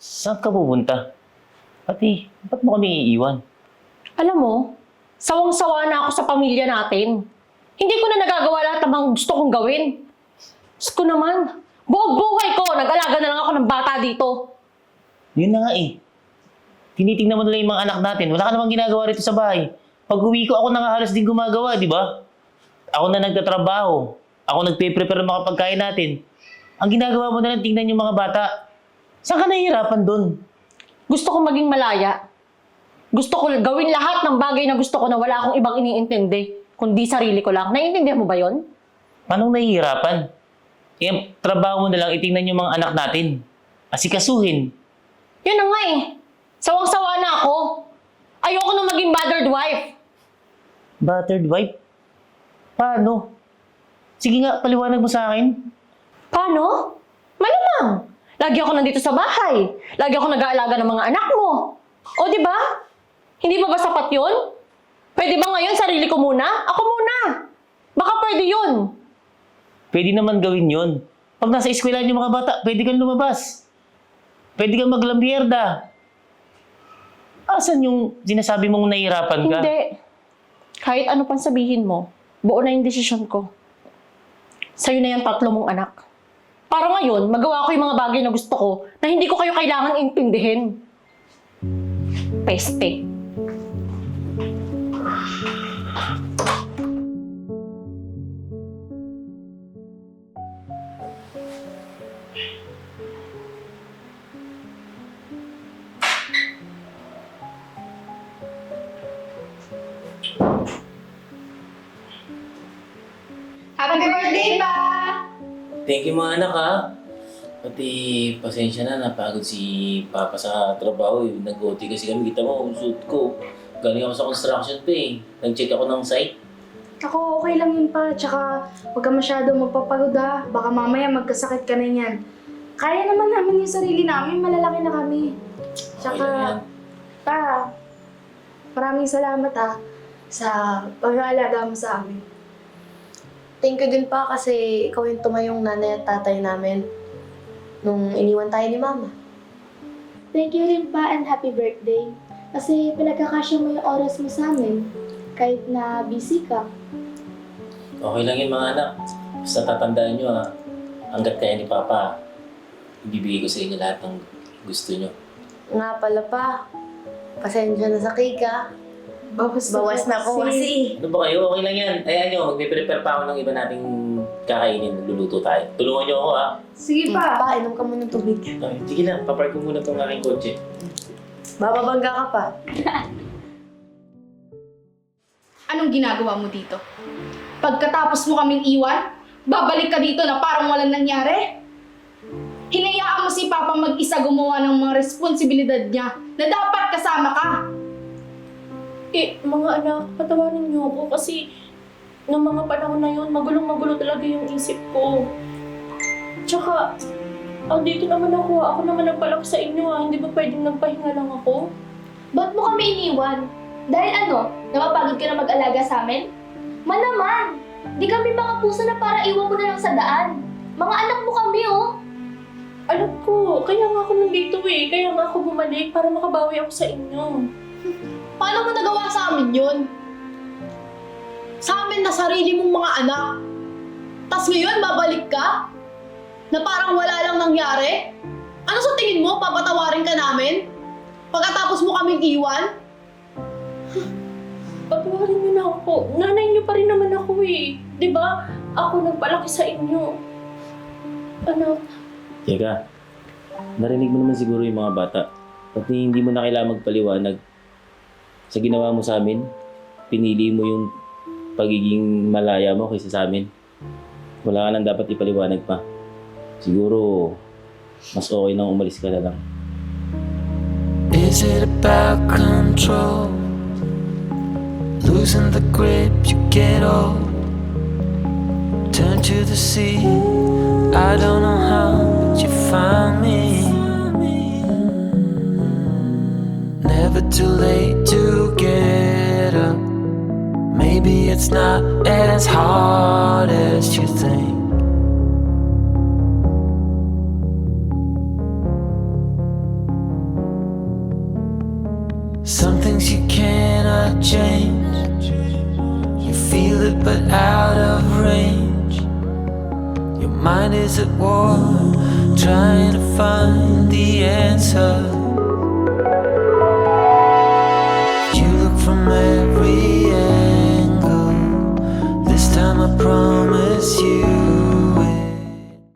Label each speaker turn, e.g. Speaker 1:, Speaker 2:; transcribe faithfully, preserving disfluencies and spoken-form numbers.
Speaker 1: Saan ka pupunta? Pati, ba't mo kami iiwan?
Speaker 2: Alam mo, sawang-sawa na ako sa pamilya natin. Hindi ko na nagagawa lahat ng mga gusto kong gawin. Diyos ko naman, buong buhay ko, nag-alaga na lang ako ng bata dito.
Speaker 1: Yun na nga eh. Tinitingnan mo nila yung mga anak natin. Wala ka namang ginagawa rito sa bahay. Pag uwi ko, ako na nga halos din gumagawa, di ba? Ako na nagtatrabaho. Ako nagpe-prepare ng mga pagkain natin. Ang ginagawa mo na lang, tingnan yung mga bata. Saan ka nahihirapan dun?
Speaker 2: Gusto ko maging malaya. Gusto ko gawin lahat ng bagay na gusto ko na wala akong ibang iniintindi, kundi sarili ko lang. Naiintindihan mo ba yon?
Speaker 1: Paano nahihirapan? Eh, trabaho mo na lang, itingnan yung mga anak natin. Asikasuhin.
Speaker 2: Yun na nga eh. Sawang-sawa na ako. Ayoko na maging battered wife.
Speaker 1: Battered wife? Paano? Sige nga, paliwanag mo sa akin.
Speaker 2: Paano? Malamang. Lagi ako nandito sa bahay. Lagi ako nag-aalaga ng mga anak mo. O, di ba? Hindi ba ba sapat yun? Pwede ba ngayon sarili ko muna? Ako muna. Baka pwede yun.
Speaker 1: Pwede naman gawin yun. Pag nasa eskwelahan yung mga bata, pwede kang lumabas. Pwede kang maglambierda. Asan yung sinasabi mong nahihirapan ka?
Speaker 2: Hindi. Kahit ano pang sabihin mo, buo na yung desisyon ko. Sa'yo na yung tatlo mong anak. Para ngayon, magawa ko yung mga bagay na gusto ko na hindi ko kayo kailangan intindihin. Peste.
Speaker 3: Happy birthday pa!
Speaker 1: Thank you mga anak ha. Pati pasensya na, napagod si Papa sa trabaho. Eh. Nag-O T kasi kami, kita mo, ang suit ko. Galing ako sa construction pa eh. Nag-check ako ng site.
Speaker 3: Ako, okay lang yun pa. Tsaka, huwag ka masyado magpapagod ah. Baka mamaya magkasakit ka na yan. Kaya naman namin yung sarili namin, malalaki na kami. Tsaka,
Speaker 1: Okay lang yan.
Speaker 3: pa, maraming salamat ah sa pag-aalaga mo sa amin.
Speaker 4: Thank you din pa kasi ikaw yung tumayong nanay at tatay namin nung iniwan tayo ni Mama.
Speaker 5: Thank you rin pa and happy birthday. Kasi pinagkakasya mo yung oras mo sa amin. Kahit na busy ka.
Speaker 1: Okay lang yun mga anak. Basta tatandaan nyo ha. Hanggat kaya ni Papa, ibibigay ko sa inyo lahat ng gusto nyo.
Speaker 4: Nga pala pa, pasensya na sa cake ah.
Speaker 3: Bawas,
Speaker 4: Bawas na po kasi.
Speaker 1: Ano ba kayo? Okay lang yan. Ayan nyo, magpe-prepare pa ako ng iba nating kakainin. Nagluluto tayo. Tulungan nyo ako ha.
Speaker 3: Sige
Speaker 4: Pa,
Speaker 3: pa.
Speaker 4: pa inom ka muna ng tubig.
Speaker 1: Ay, sige na, papark ko muna itong aking kotse.
Speaker 4: Bababangga ka pa.
Speaker 3: Anong ginagawa mo dito? Pagkatapos mo kaming iwan, babalik ka dito na parang walang nangyari? Hinayaan mo si Papa mag-isa gumawa ng mga responsibilidad niya na dapat kasama ka.
Speaker 6: Eh, mga anak, patawarin niyo ako kasi noong mga panahon na yun, magulong-magulo talaga yung isip ko. Tsaka, andito naman ako, ako naman nagpalaki sa inyo ah, hindi ba pwedeng nagpahinga lang ako?
Speaker 5: Ba't mo kami iniwan? Dahil ano, napapagod ka na mag-alaga sa amin? Manaman! Di kami mga puso na para iwan mo na lang sa daan. Mga anak mo kami, oh!
Speaker 6: Alam ko, kaya nga ako nandito eh, kaya nga ako bumalik para makabawi ako sa inyo.
Speaker 3: Paano mo nagawa sa amin yun? Sa amin na sarili mong mga anak. Tas ngayon, babalik ka? Na parang wala lang nangyari? Ano sa tingin mo, papatawarin ka namin? Pagkatapos mo kaming iwan?
Speaker 6: Patawarin niyo na ako, nanay niyo pa rin naman ako eh. Di ba? Ako nagpalaki sa inyo. Anak,
Speaker 1: Teka, narinig mo naman siguro yung mga bata. Pati hindi mo na kailangan magpaliwanag. Sa ginawa mo sa amin, pinili mo yung pagiging malaya mo kaysa sa amin. Wala ka nang dapat ipaliwanag pa. Siguro, mas okay nang umalis ka na lang.
Speaker 7: Is it about control? Losing the grip, you get old. Turn to the sea. I don't know how, but you find me. Never too late to get up. Maybe it's not as hard as you think. Some things you cannot change. You feel it but out of range. Your mind is at war, trying to find the answer.